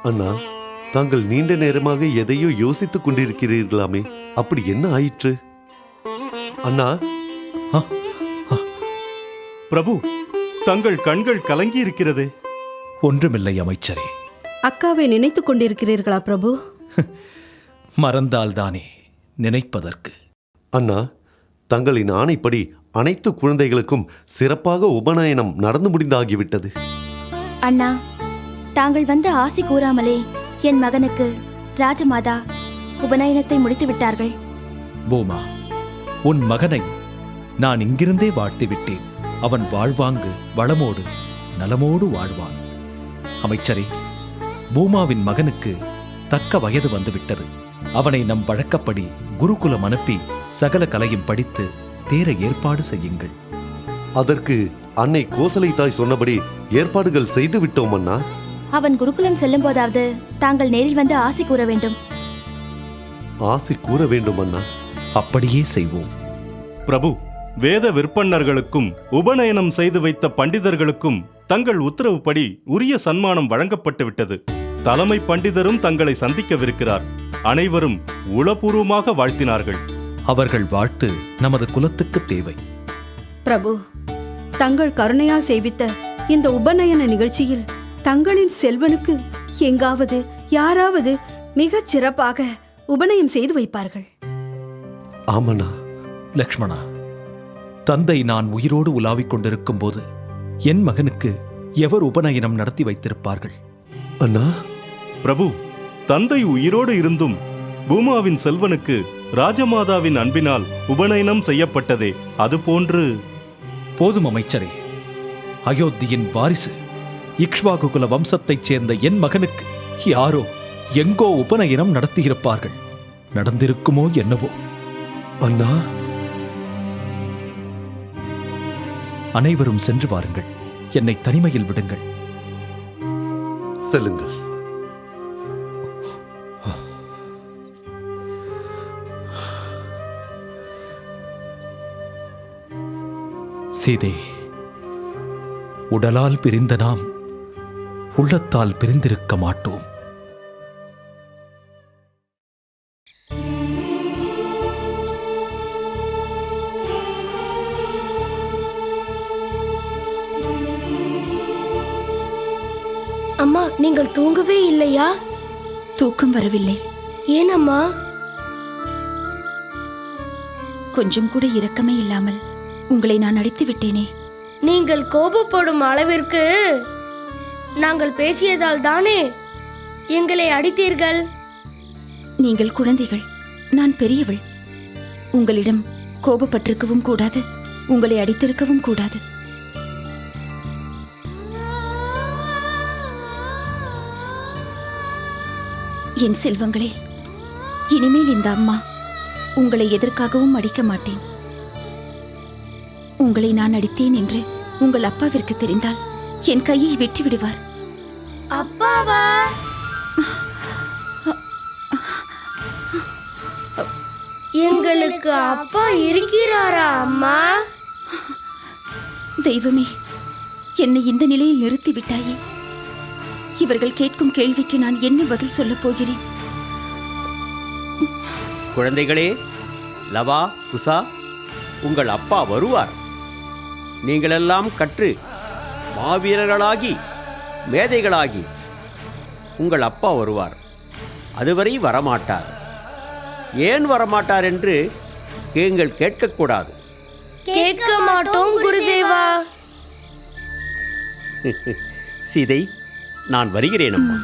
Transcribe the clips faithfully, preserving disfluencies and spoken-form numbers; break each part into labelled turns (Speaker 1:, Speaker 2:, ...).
Speaker 1: அண்ணா, தாங்கள் நீண்ட நேரமாக எதையோ யோசித்துக் கொண்டிருக்கிறீர்களாமே, அப்படி என்ன ஆயிற்று? அண்ணா.
Speaker 2: பிரபு, தங்கள் கண்கள் கலங்கி இருக்கிறதே.
Speaker 3: ஒன்றுமில்லை அமைச்சரே.
Speaker 4: அக்காவை நினைத்துக் கொண்டிருக்கிறீர்களா பிரபு?
Speaker 3: மறந்தால்தானே நினைப்பதற்கு.
Speaker 1: அண்ணா, தங்களின் ஆணைப்படி அனைத்து குழந்தைகளுக்கும் சிறப்பாக உபநயனம் நடந்து முடிந்தாகிவிட்டது.
Speaker 5: அண்ணா, தாங்கள் வந்து ஆசி கூறாமலே என் மகனுக்கு ராஜமாதா உபநயனத்தை முடித்து விட்டார்கள்.
Speaker 3: பூமா, உன் மகனை நான் இங்கிருந்தே வாழ்த்து விட்டேன். அவன் வாழ்வாங்கு வளமோடு நலமோடு வாழ்வான். அமைச்சரே, பூமாவின் மகனுக்கு தக்க வயது வந்துவிட்டது. அவனை நம் வழக்கப்படி குருகுலம் அனுப்பி சகல கலையும் படித்து தேர ஏற்பாடு செய்யுங்கள்.
Speaker 1: அதற்கு அன்னை கோசலை தாய் சொன்னபடி ஏற்பாடுகள் செய்து விட்டோம் அண்ணா.
Speaker 5: அவன் குருகுலம் செல்லும் போதாவது தாங்கள் நேரில் வந்து ஆசி கூற வேண்டும்.
Speaker 1: ஆசி கூற வேண்டும் அண்ணா.
Speaker 3: அப்படியே செய்வோம்.
Speaker 2: பிரபு, வேத விற்பன்னர்களுக்கும் உபநயனம் செய்து வைத்த பண்டிதர்களுக்கும் தங்கள் உத்தரவுப்படி உரிய சன்மானம் வழங்கப்பட்டு விட்டது. தலைமை பண்டிதரும் தங்களை சந்திக்கவிருக்கிறார். அனைவரும் உளப்பூர்வமாக வாழ்த்தினார்கள்.
Speaker 3: அவர்கள் வாழ்த்து நமது குலத்துக்கு தேவை.
Speaker 4: பிரபு, தங்கள் கருணையால் செய்வித்த இந்த உபநயன நிகழ்ச்சியில் தங்களின் செல்வனுக்கு எங்காவது யாராவது மிகச் சிறப்பாக உபநயம் செய்து வைப்பார்கள்.
Speaker 1: ஆமண்ணா.
Speaker 3: லக்ஷ்மணா, தந்தை நான் உயிரோடு உலாவிக் கொண்டிருக்கும் போது என் மகனுக்கு எவர் உபநயனம் நடத்தி வைத்திருப்பார்கள்?
Speaker 1: அண்ணா.
Speaker 2: பிரபு, தந்தை உயிரோடு இருந்தும் பூமாவின் செல்வனுக்கு ராஜமாதாவின் அன்பினால் உபநயனம் செய்யப்பட்டதே, அதுபோன்று.
Speaker 3: போதும் அமைச்சரே. அயோத்தியின் வாரிசு இக்ஷ்வாகுகுல வம்சத்தைச் சேர்ந்த என் மகனுக்கு யாரோ எங்கோ உபநயனம் நடத்தியிருப்பார்கள். நடந்திருக்குமோ என்னவோ.
Speaker 1: அண்ணா.
Speaker 3: அனைவரும் சென்று வாருங்கள். என்னை தனிமையில் விடுங்கள்.
Speaker 1: செல்லுங்கள்.
Speaker 3: சீதே, உடலால் பிரிந்த நாம் உள்ளத்தால் பிரிந்திருக்க மாட்டோம்.
Speaker 6: அம்மா, நீங்கள் தூங்கவே இல்லையா?
Speaker 5: தூக்கம் வரவில்லை.
Speaker 6: ஏன் அம்மா?
Speaker 5: கொஞ்சம் கூட இரக்கமே இல்லாமல் உங்களை நான் அடித்து விட்டேனே.
Speaker 6: நீங்கள் கோபப்படும் அளவிற்கு நாங்கள் பேசியதால் தானே எங்களை அடித்தீர்கள்.
Speaker 5: நீங்கள் குழந்தைகள், நான் பெரியவள். உங்களிடம் கோபப்பட்டிருக்கவும் கூடாது, உங்களை அடித்திருக்கவும் கூடாது. என் செல்வங்களே, இனிமேல் இந்த அம்மா உங்களை எதற்காகவும் அடிக்க மாட்டேன். உங்களை நான் அடித்தேன் என்று உங்கள் அப்பாவிற்கு தெரிந்தால் என் கையை வெட்டி விடுவார்.
Speaker 6: அப்பாவா? எங்களுக்கு அப்பா இருக்கிறாரா அம்மா?
Speaker 5: தெய்வமே, என்னை இந்த நிலையில் நிறுத்தி விட்டாயே. இவர்கள் கேட்கும் கேள்விக்கு நான் என்ன பதில் சொல்லப் போகிறேன்?
Speaker 7: குழந்தைகளே, லவா, குசா, உங்கள் அப்பா வருவார். நீங்களெல்லாம் கற்று மாவீரர்களாகி மேதைகளாகி உங்கள் அப்பா வருவார். அதுவரை வரமாட்டார். ஏன் வரமாட்டார் என்று நீங்கள் கேட்கக்கூடாது.
Speaker 6: கேட்க மாட்டோம் குருதேவா.
Speaker 7: சீதை, நான் வருகிறேன் அம்மா.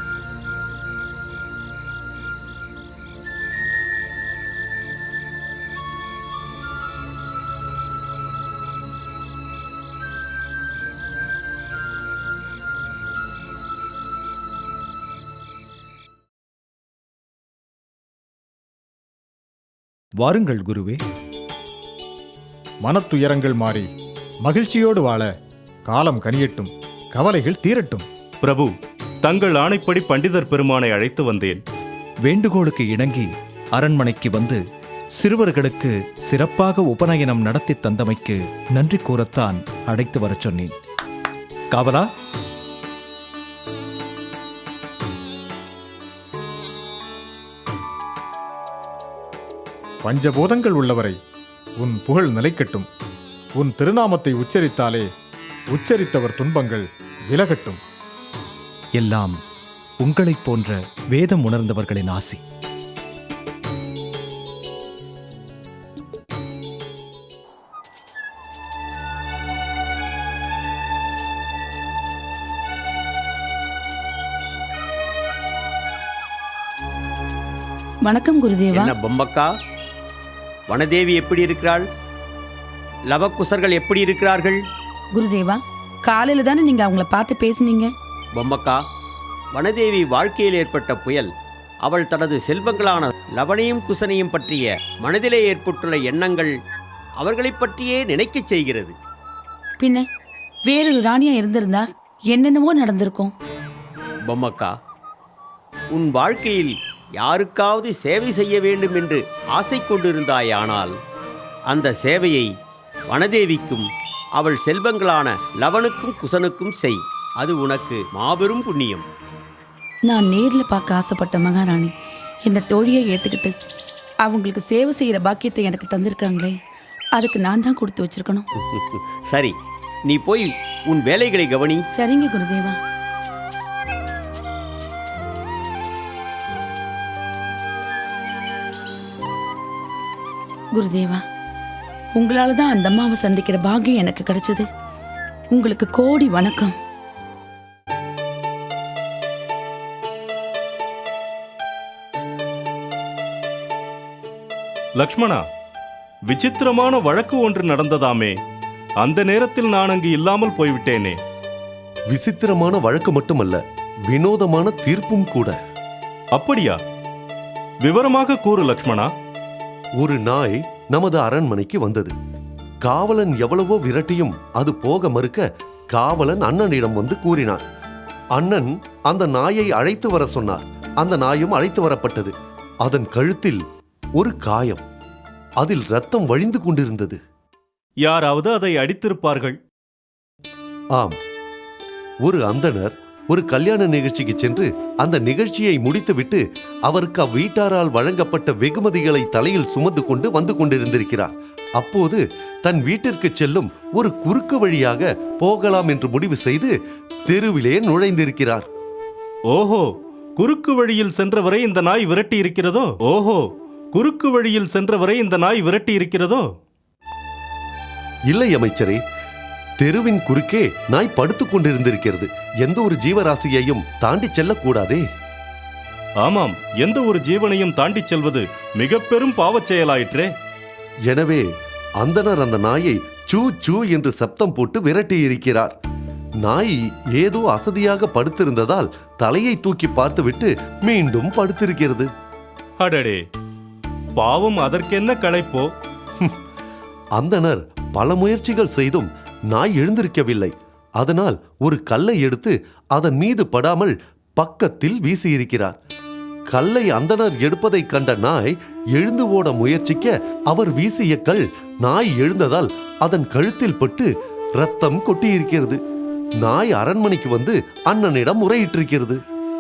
Speaker 3: வாருங்கள் குருவே.
Speaker 8: மனத்துயரங்கள் மாறி மகிழ்ச்சியோடு வாழ காலம் கனியட்டும், கவலைகள் தீரட்டும்.
Speaker 2: பிரபு, தங்கள் ஆணைப்படி பண்டிதர் பெருமானை அழைத்து வந்தேன்.
Speaker 3: வேண்டுகோளுக்கு இணங்கி அரண்மனைக்கு வந்து சிறுவர்களுக்கு சிறப்பாக உபநயனம் நடத்தி தந்தமைக்கு நன்றி கூறத்தான் அழைத்து வரச் சொன்னேன். காவலா,
Speaker 8: பஞ்சபூதங்கள் உள்ளவரை உன் புகழ் நிலைக்கட்டும். உன் திருநாமத்தை உச்சரித்தாலே உச்சரித்தவர் துன்பங்கள் விலகட்டும்.
Speaker 3: எல்லாம் உங்களைப் போன்ற வேதம் உணர்ந்தவர்களின் ஆசி.
Speaker 5: வணக்கம் குருதேவா.
Speaker 7: என்ன பொம்மக்கா, வனதேவி எப்படி இருக்கிறாள்? லவக்குசர்கள் எப்படி இருக்கிறார்கள்?
Speaker 5: குருதேவா, காலையில தானே நீங்க அவங்கள பார்த்து பேசுனீங்க.
Speaker 7: பொம்மக்கா, வனதேவி வாழ்க்கையில் ஏற்பட்ட புயல் அவள் தனது செல்வங்களான லவனையும் குசனையும் பற்றிய மனதிலே ஏற்பட்டுள்ள எண்ணங்கள் அவர்களைப் பற்றியே நினைக்கச் செய்கிறது.
Speaker 5: பின்ன வேறொரு ராணியா இருந்திருந்தா என்னென்னவோ நடந்திருக்கும்.
Speaker 7: பொம்மக்கா, உன் வாழ்க்கையில் யாருக்காவது சேவை செய்ய வேண்டும் என்று ஆசை கொண்டிருந்தாயானால் அந்த சேவையை வனதேவிக்கும் அவள் செல்வங்களான லவனுக்கும் குசனுக்கும் செய். அது உனக்கு மாபெரும் புண்ணியம்.
Speaker 5: நான் நேர்ல பார்க்க ஆசைப்பட்ட மகாராணி என்னை தோழியை ஏத்துக்கிட்டு அவங்களுக்கு சேவை செய்யற பாக்கியத்தை எனக்கு தந்திருக்காங்களே, அதுக்கு நான் தான் கொடுத்து வச்சிருக்கணும்.
Speaker 7: சரி, நீ போய் உன் வேலைகளை கவனி.
Speaker 5: சரிங்க குருதேவா. குருதேவா, உங்களால தான் அந்த அம்மாவை சந்திக்கிற பாக்கியம் எனக்கு கிடைச்சது. உங்களுக்கு கோடி வணக்கம்.
Speaker 2: லக்ஷ்மணா, விசித்திரமான வழக்கு ஒன்று நடந்ததாமே, அந்த நேரத்தில் நான் அங்கு இல்லாமல் போய்விட்டேனே.
Speaker 1: விசித்திரமான வழக்கு மட்டுமல்ல, வினோதமான தீர்ப்பும் கூட.
Speaker 2: அப்படியா? விவரமாக கூறு லக்ஷ்மணா.
Speaker 1: ஒரு நாய் நமது அரண்மனைக்கு வந்தது. காவலன் எவ்வளவோ விரட்டியும் அது போக மறுக்க காவலன் அண்ணனிடம் வந்து கூறினான். அண்ணன் அந்த நாயை அழைத்து வர சொன்னார். அந்த நாயும் அழைத்து வரப்பட்டது. அதன் கழுத்தில் ஒரு காயம், அதில் ரத்தம் வழிந்து கொண்டிருந்தது.
Speaker 2: யாராவது அதை அடித்திருப்பார்கள்.
Speaker 1: ஆம், ஒரு அந்தணர் ஒரு கல்யாண நிகழ்ச்சிக்கு சென்று அந்த நிகழ்ச்சியை முடித்துவிட்டு அவருக்கு அவ்வீட்டாரால் வழங்கப்பட்ட வெகுமதிகளை தலையில் சுமந்து கொண்டு வந்து கொண்டிருந்திருக்கிறார். அப்போது தன் வீட்டிற்கு செல்லும் ஒரு குறுக்கு வழியாக போகலாம் என்று முடிவு செய்து தெருவிலே நுழைந்திருக்கிறார்.
Speaker 2: ஓஹோ, குறுக்கு வழியில் சென்றவரை இந்த நாய் விரட்டி இருக்கிறதோ? ஓஹோ, குறுக்கு வழியில் சென்றவரை இந்த நாய் விரட்டி இருக்கிறதோ?
Speaker 1: இல்லை அமைச்சரே, தெருவின் குறுக்கே நாய் படுத்துக் கொண்டிருந்திருக்கிறது. எந்த ஒரு ஜீவராசியையும் தாண்டி செல்லக்கூடாதே.
Speaker 2: ஆமாம், எந்த ஒரு ஜீவனையும் தாண்டி செல்வது மிக பெரும் பாவச் செயலாயிற்றே.
Speaker 1: எனவே அந்தனர் அந்த நாயை சூ சூ என்று சப்தம் போட்டு விரட்டி இருக்கிறார். நாய் ஏதோ அசதியாக படுத்திருந்ததால் தலையை தூக்கி பார்த்துவிட்டு மீண்டும் படுத்திருக்கிறது.
Speaker 2: அடடே, பாவம், அதற்கென்ன களைப்போ?
Speaker 1: அந்தனர் பல முயற்சிகள் செய்தும் நாய் எழுந்திருக்கவில்லை. அதனால் ஒரு கல்லை எடுத்து அதன் மீது படாமல் பக்கத்தில் வீசியிருக்கிறார். கல்லை அந்தனர் எடுப்பதை கண்ட நாய் எழுந்து ஓட முயற்சிக்க அவர் வீசிய கல் நாய் எழுந்ததால் அதன் கழுத்தில் பட்டு ரத்தம் கொட்டியிருக்கிறது. நாய் அரண்மனைக்கு வந்து அண்ணனிடம் முறையிட்டிருக்கிறது.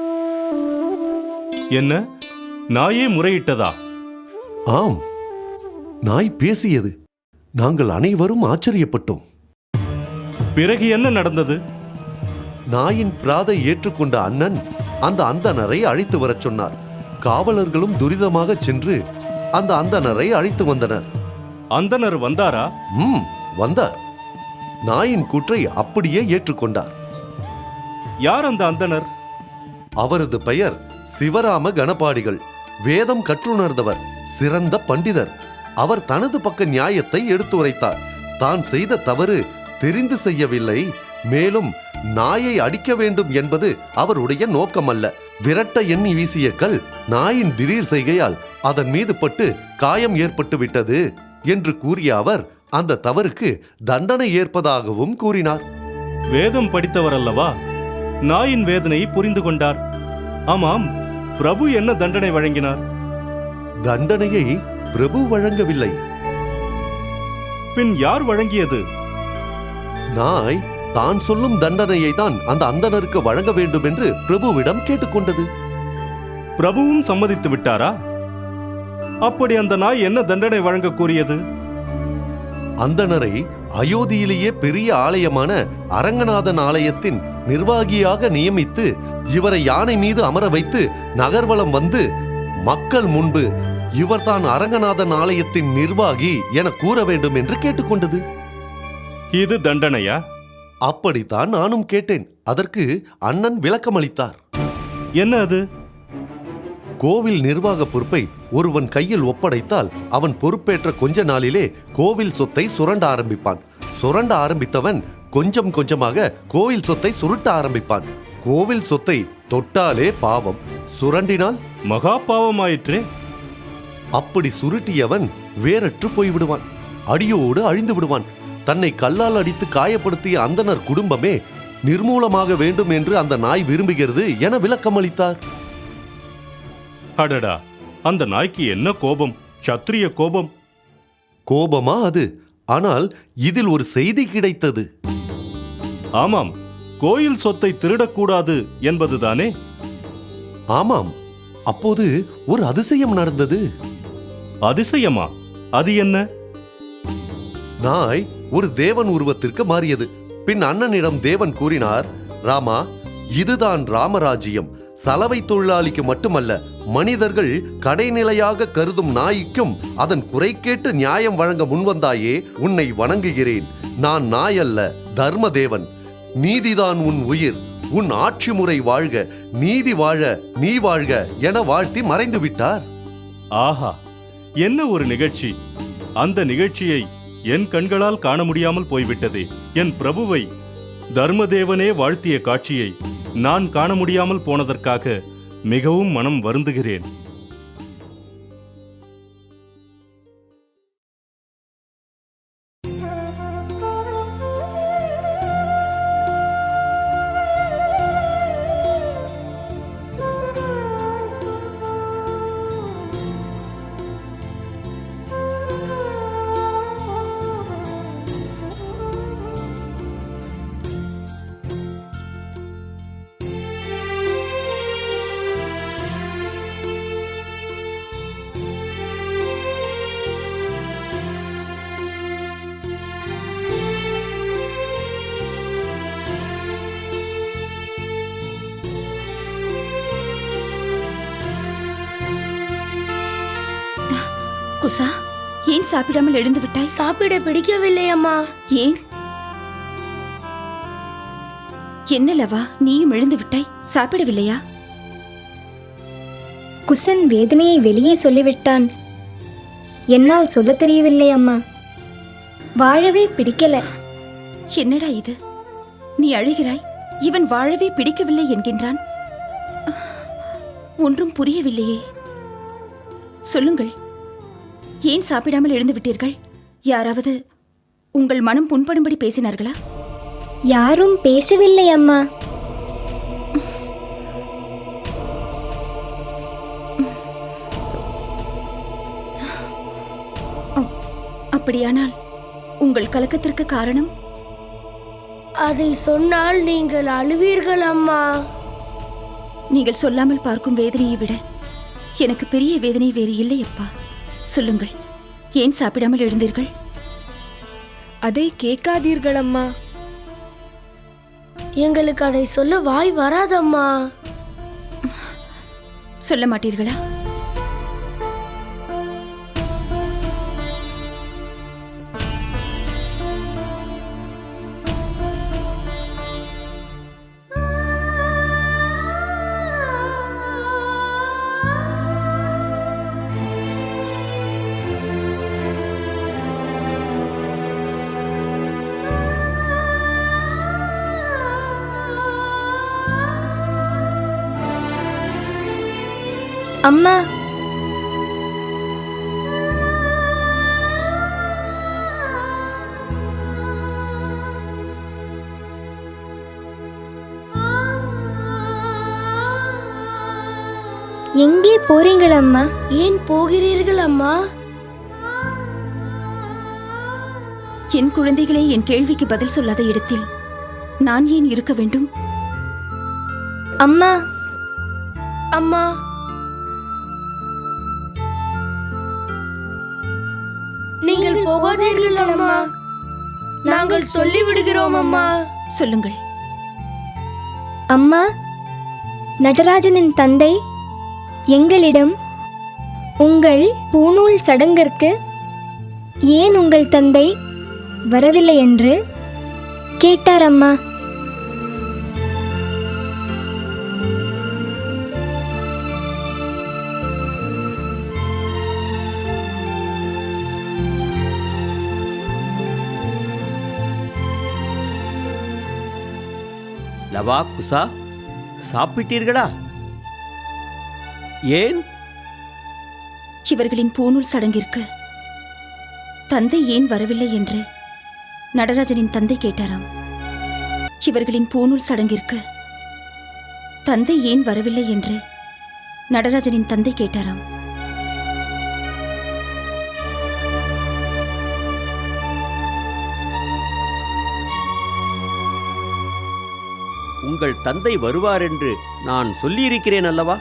Speaker 2: என்ன, நாயே முறையிட்டதா?
Speaker 1: ஆம், நாய் பேசியது. நாங்கள் அனைவரும் ஆச்சரியப்பட்டோம்.
Speaker 2: பிறகு என்ன நடந்தது?
Speaker 1: நாயின் பிராதை ஏற்றுக்கொண்ட அண்ணன் அந்த அந்தணரை அழைத்து வரச் சொன்னார். காவலர்களும் துரிதமாக சென்று அந்த அந்தணரை அழைத்து வந்தனர்.
Speaker 2: அந்தனர் வந்தாரா?
Speaker 1: ம் வந்தார். நாயின் கூற்றை அப்படியே ஏற்றுக்கொண்டார்.
Speaker 2: யார் அந்த அந்தனர்?
Speaker 1: அவரது பெயர் சிவராம கணபாடிகள். வேதம் கற்றுணர்ந்தவர், சிறந்த பண்டிதர். அவர் தனது பக்க நியாயத்தை எடுத்துரைத்தார். தான் செய்த தவறு தெரிந்து செய்யவில்லை, மேலும் நாயை அடிக்க வேண்டும் என்பது அவருடைய நோக்கமல்ல. விரட்ட எண்ணி வீசிய கல் நாயின் திடீர் செய்கையால் அதன் மீது பட்டு காயம் ஏற்பட்டு விட்டது என்று கூறிய அவர் அந்த தவறுக்கு தண்டனை ஏற்பதாகவும் கூறினார்.
Speaker 2: வேதம் படித்தவர் அல்லவா? நாயின் வேதனையை புரிந்து கொண்டார். ஆமாம், பிரபு என்ன தண்டனை வழங்கினார்?
Speaker 1: தண்டனையை பிரபு வழங்கவில்லை.
Speaker 2: பின் யார் வழங்கியது?
Speaker 1: நாய் தான் சொல்லும் தண்டனையை தான் அந்த அந்தணருக்கு வழங்க வேண்டும் என்று பிரபுவிடம் கேட்டுக்கொண்டது.
Speaker 2: பிரபுவும் சம்மதித்து விட்டாரா? அப்படி அந்த நாய் என்ன தண்டனை வழங்க கூறியது?
Speaker 1: அந்தணரை அயோத்தியிலேயே பெரிய ஆலயமான அரங்கநாதன் ஆலயத்தின் நிர்வாகியாக நியமித்து இவரை யானை மீது அமர வைத்து நகர்வலம் வந்து மக்கள் முன்பு இவர்தான் அரங்கநாதன் ஆலயத்தின் நிர்வாகி என கூற வேண்டும் என்று கேட்டுக்கொண்டது.
Speaker 2: இது தண்டனையா?
Speaker 1: அப்படித்தான் நானும் கேட்டேன். அதற்கு அண்ணன் விளக்கமளித்தார்.
Speaker 2: என்ன அது?
Speaker 1: கோவில் நிர்வாக பொறுப்பை ஒருவன் கையில் ஒப்படைத்தால் அவன் பொறுப்பேற்ற கொஞ்ச நாளிலே கோவில் சொத்தை சுரண்ட ஆரம்பிப்பான். சுரண்ட ஆரம்பித்தவன் கொஞ்சம் கொஞ்சமாக கோவில் சொத்தை சுருட்ட ஆரம்பிப்பான். கோவில் சொத்தை தொட்டாலே பாவம், சுரண்டினால்
Speaker 2: மகா பாவமாயிற்றே.
Speaker 1: அப்படி சுருட்டியவன் வேறற்று போய்விடுவான், அடியோடு அழிந்து விடுவான். தன்னை கல்லால் அடித்து காயப்படுத்திய அந்தணர் குடும்பமே நிர்மூலமாக வேண்டும் என்று அந்த நாய் விரும்புகிறது என விளக்கமளித்தார்.
Speaker 2: அடடா, அந்த நாய்க்கு என்ன கோபம்! சத்திரிய கோபம்.
Speaker 1: கோபமா அது? ஆனால் இதில் ஒரு செய்தி கிடைத்தது.
Speaker 2: ஆமாம், கோயில் சொத்தை திருடக்கூடாது என்பதுதானே?
Speaker 1: ஆமாம். அப்போது ஒரு அதிசயம் நடந்தது.
Speaker 2: அதிசயமா? அது என்ன?
Speaker 1: நாய் ஒரு தேவன் உருவத்திற்கு மாறியது. பின் அண்ணனிடம் தேவன் கூறினார், ராமா, இதுதான் ராமராஜ்யம். சலவை தொழிலாளிக்கு மட்டுமல்ல, மனிதர்கள் கடைநிலையாக கருதும் நாய்க்கும் அதன் குறை கேட்டு நியாயம் வழங்க முன்வந்தாயே, உன்னை வணங்குகிறேன். நான் நாய் அல்ல, தர்மதேவன். நீதிதான் உன் உயிர். உன் ஆட்சி முறை வாழ்க, நீதி வாழ, நீ வாழ்க என வாழ்த்தி மறைந்து விட்டார்.
Speaker 2: ஆஹா, என்ன ஒரு நிகழ்ச்சி! அந்த நிகழ்ச்சியை என் கண்களால் காண முடியாமல் போய்விட்டதே. என் பிரபுவை தர்மதேவனே வாழ்த்திய காட்சியை நான் காண முடியாமல் போனதற்காக மிகவும் மனம் வருந்துகிறேன்.
Speaker 4: குசா, ஏன் சாப்பிடாமல் எழுந்து விட்டாய்?
Speaker 6: சாப்பிட பிடிக்கவில்லை அம்மா.
Speaker 4: ஏன்? என்ன லவா, நீயும் எழுந்து விட்டாய், சாப்பிடவில்லையா?
Speaker 9: குசன் வேதனையை வெளியே சொல்லிவிட்டான். என்னால் சொல்ல தெரியவில்லை அம்மா. வாழவே பிடிக்கல.
Speaker 4: என்னடா இது? நீ அழுகிறாய், இவன் வாழவே பிடிக்கவில்லை என்கின்றான். ஒன்றும் புரியவில்லையே. சொல்லுங்கள், ஏன் சாப்பிடாமல் எழுந்து விட்டீர்கள்? யாராவது உங்கள் மனம் புண்படும்படி பேசினார்களா?
Speaker 9: யாரும் பேசவில்லை அம்மா.
Speaker 4: அப்படியானால் உங்கள் கலக்கத்திற்கு காரணம்?
Speaker 6: அதை சொன்னால் நீங்கள் அழுவீர்கள் அம்மா.
Speaker 4: நீங்கள் சொல்லாமல் பார்க்கும் வேதனையை விட எனக்கு பெரிய வேதனை வேறு இல்லை அப்பா. சொல்லுங்கள், ஏன் சாப்பிடாமல் எழுந்தீர்கள்?
Speaker 10: அதை கேட்காதீர்கள் அம்மா.
Speaker 6: எங்களுக்கு அதை சொல்ல வாய் வராதம்மா.
Speaker 4: சொல்ல மாட்டீர்களா?
Speaker 9: அம்மா, எங்கே போறீங்கள் அம்மா?
Speaker 6: ஏன் போகிறீர்கள் அம்மா?
Speaker 4: என் குழந்தைகளே என் கேள்விக்கு பதில் சொல்லாத இடத்தில் நான் ஏன் இருக்க வேண்டும்?
Speaker 9: அம்மா,
Speaker 6: அம்மா, போகாதீர்கள் அம்மா. நாங்கள் சொல்லிவிடுகிறோம் அம்மா.
Speaker 4: சொல்லுங்கள்.
Speaker 9: அம்மா, நடராஜனின் தந்தை எங்களிடம் உங்கள் பூணூல் சடங்கிற்கு ஏன் உங்கள் தந்தை வரவில்லை என்று கேட்டார் அம்மா.
Speaker 7: லவா, குசா, சாப்பிட்டீர்களா? ஏன்?
Speaker 4: இவர்களின் பூணூல் சடங்கிற்கு தந்தை ஏன் வரவில்லை என்று நடராஜனின் தந்தை கேட்டாராம். இவர்களின் பூணூல் சடங்கிற்கு தந்தை ஏன் வரவில்லை என்று நடராஜனின் தந்தை கேட்டாராம்.
Speaker 7: உங்கள் தந்தை வருவார் என்று நான் சொல்லியிருக்கிறேன் அல்லவா?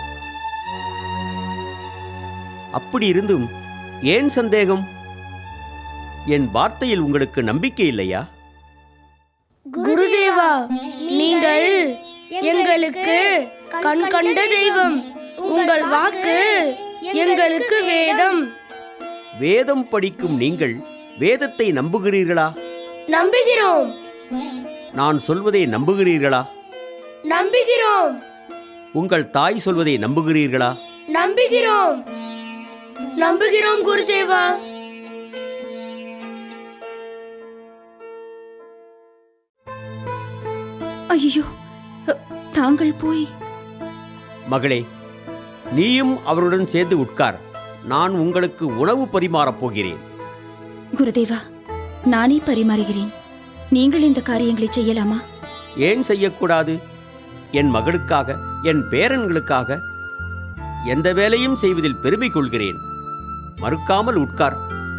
Speaker 7: அப்படி இருந்தும் ஏன் சந்தேகம்? என் வார்த்தையில் உங்களுக்கு நம்பிக்கை இல்லையா?
Speaker 6: குருதேவா, நீங்கள் எங்களுக்கு கண் கண்ட தெய்வம். உங்கள் வாக்கு எங்களுக்கு வேதம்.
Speaker 7: வேதம் படிக்கும் நீங்கள் வேதத்தை நம்புகிறீர்களா?
Speaker 6: நம்புகிறோம்.
Speaker 7: நான் சொல்வதை நம்புகிறீர்களா?
Speaker 6: நம்புகிறோம்.
Speaker 7: உங்கள் தாய் சொல்வதை நம்புகிறீர்களா?
Speaker 6: நம்புகிறோம். நம்புகிறோம் குருதேவா.
Speaker 4: ஐயோ, தாங்கள் போய்.
Speaker 7: மகளே, நீயும் அவருடன் சேர்ந்து உட்கார். நான் உங்களுக்கு உணவு பரிமாறப் போகிறேன்.
Speaker 4: குருதேவா, நானே பரிமாறுகிறேன். நீங்கள் இந்த காரியங்களை செய்யலாமா?
Speaker 7: ஏன் செய்யக்கூடாது? என் மகளுக்காக, என் பேரன்களுக்காக எந்த வேலையும் செய்வதில் பெருமை கொள்கிறேன். மறுக்காமல் உட்கார்.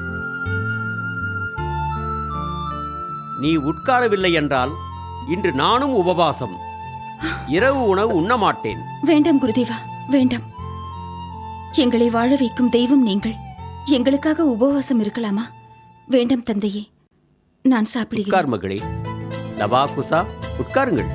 Speaker 7: நீ உட்காரவில்லை என்றால் இன்று நானும் உபவாசம். இரவு உணவு உண்ண மாட்டேன்.
Speaker 4: வேண்டாம் குருதேவா, வேண்டாம். எங்களை வாழ வைக்கும் தெய்வம் நீங்கள். எங்களுக்காக உபவாசம் இருக்கலாமா? வேண்டாம் தந்தையே, நான் சாப்பிடுகிறேன்.
Speaker 7: உட்கார் மகளே. லவா, குசா, உட்காருங்கள்.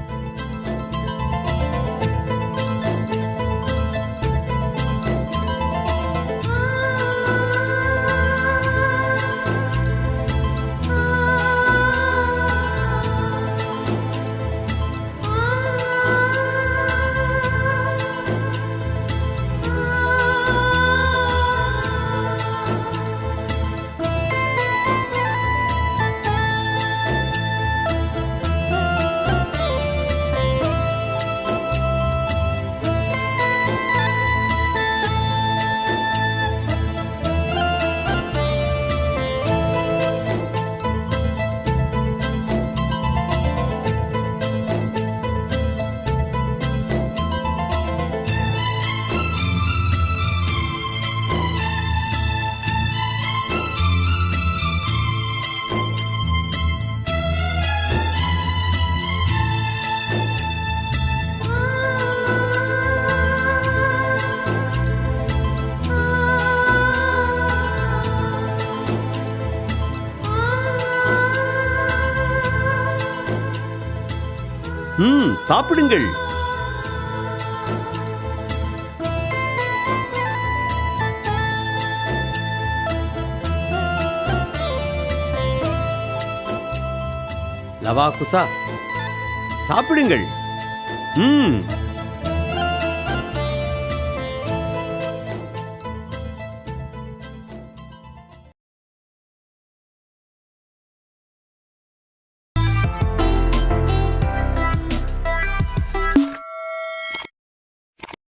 Speaker 7: ம் சாப்பிடுங்கள். லவா, குசா, சாப்பிடுங்கள். ம்